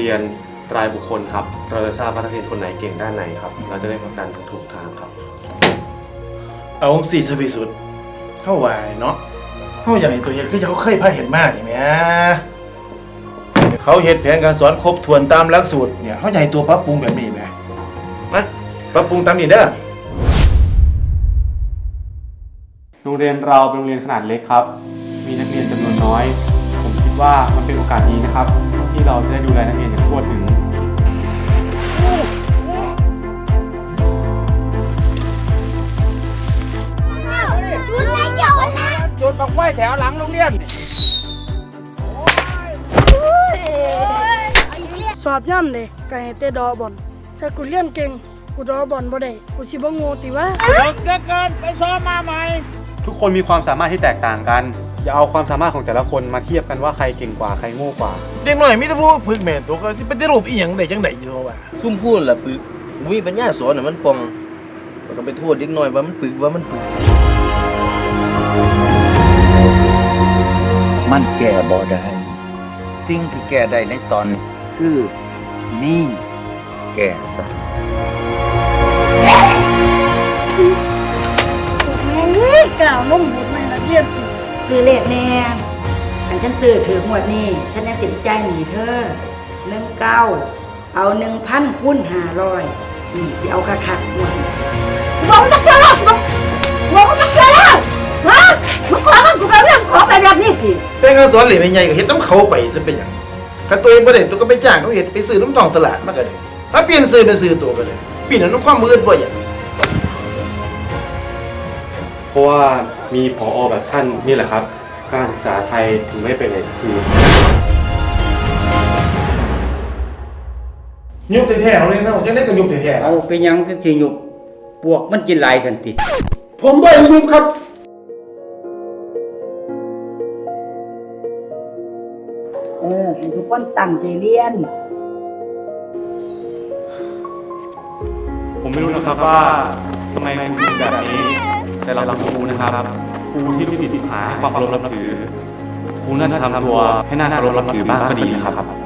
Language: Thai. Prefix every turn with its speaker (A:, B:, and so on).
A: รียนรายบุคคลครับเราจะทราบว่านักเรียนคนไหนเก่งด้านไหนครับเราจะได้ผลักดันถูกทางครับ
B: เอาสี่สวิสุดเท่าไหวเนาะเท่าอย่างนี้ตัวเห็นก็เขาเคยพาเห็นมากนี่แหมเขาเห็นแผนการสอนครบถ้วนตามหลักสูตรเนี่ยเขาใหญ่ตัวปรับปรุงแบบนี้ไหมนะปรับปรุงตามนี้เด้อ
A: โรงเรียนเราเป็นโรงเรียนขนาดเล็กครับมีนักเรียนจำนวนน้อยผมคิดว่ามันเป็นโอกาสดีนะครับที่เราจะได้ดูแลนักเรียนอย่างทั่วถึง
C: จุดบังไฟแถวหลังโรงเรียน
D: สอบย่ำเลยก็ให้เตะดอบอลถ้ากูเรียนเก่งกูดอบอลบ่ได้กูสิบ่โง่ติวะ
C: เลิกเกินไปซ้อมมาใหม่
A: ทุกคนมีความสามารถที่แตกต่างกันอย่าเอาความสามารถของแต่ละคนมาเทียบกันว่าใครเก่งกว่าใครโง่กว่า
B: เด็กหน่อยมิตรพูพึกแม่ตัวก็จะเป็นรูปอีหยังได้จังไดอยู่ว่า
E: ซุ่มพูดล่ะปึกมีปัญญาสอนน่ะมันปองก็ไปโทษเด็กน้อยว่ามันปึก
F: มันแก้บ่ได้สิ่งที่แก้ได้ในตอนนี้คือนี่แก้ซะ
D: กล่าวล้มหมดในนักเรียน
G: ซื้อเลขแน่อันฉันซื้อถือหมดนี่ฉันยังสินใจหนีเธอ19เอา1,000 คูณ 500นี่สิเอาคักๆหมดบอกจักเจอแล้วบอกจักเจอแล้วฮะมึงขอมันกูไปเรื่องขอไปแบบนี้สิ
B: เป็นการสอนเหล่ไม่ใหญ่ก็เฮ็ดน้ำเขาไปซะเป็นหยังถ้าตัวเองบ่ได้ตัวก็ไปจ้างเขาเฮ็ดไปซื้อน้ำทองตลาดมาก็ได้ถ้าเปลี่ยนซื้อเป็นซื้อตัวก็ได้เปลี่ยนน้ำความมืดบ่อย่าง
A: เพราะว่ามีผอ.แบบท่านนี่แหละครับการศึกษาไทยถึงไม่ไปไหนสักที
B: ยุบแท้ๆเอาเลยนะจังได๋ก็ยุบแท้ๆ
F: เอาไปยังก็สิยุบพวกมันกินหลายทันที
B: ผมบ่ยุบครับ
G: ให้ทุกคนตั้งใจเรียน
A: ผมไม่รู้นะครับว่าทำไมครูถึงแบบนี้แต่เราครูนะครับครูที่ลูกศิษย์หาความเคารพนับถือครูน่าจะทำตัวให้น่าเคารพนับถือบ้างก็ดีนะครับ